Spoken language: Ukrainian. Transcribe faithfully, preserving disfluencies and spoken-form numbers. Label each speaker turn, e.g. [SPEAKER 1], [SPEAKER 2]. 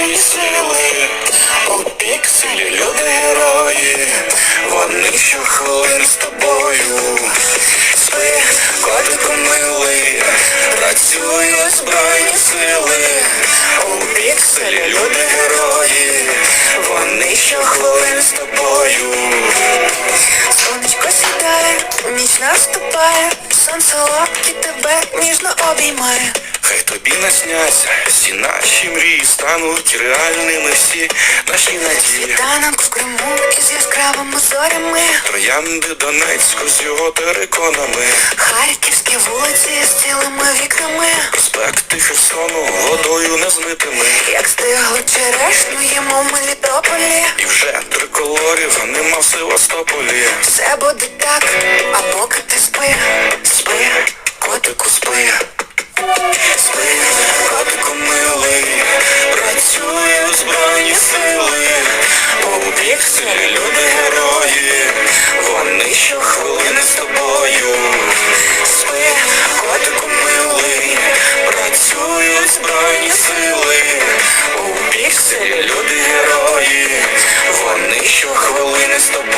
[SPEAKER 1] збройні сили, у пікселі люди герої, вони щохвилини з тобою. Спи, котику милий, працюють збройні сили, у пікселі люди герої, вони щохвилини з тобою.
[SPEAKER 2] Сонечко сідає, ніч наступає, сонце лапки тебе ніжно обіймає.
[SPEAKER 1] Хай тобі насняться всі наші мрії, стануть реальними всі наші надії.
[SPEAKER 2] Світанок в Криму із яскравими зорями,
[SPEAKER 1] Троянди Донецьку з його териконами,
[SPEAKER 2] харківські вулиці з цілими вікнами,
[SPEAKER 1] проспекти Херсону водою незмитими.
[SPEAKER 2] як стиглу черешню їмо в Мелітополі.
[SPEAKER 1] І вже триколорів нема в Севастополі.
[SPEAKER 2] Все буде так, а поки ти спи, спи,
[SPEAKER 1] Котику спи, спи, котику милий, працюють збройні сили, у пікселі люди герої, вони щохвилини з тобою. Спи, котику милий, працюють збройні сили, у пікселі люди герої, вони щохвилини з тобою.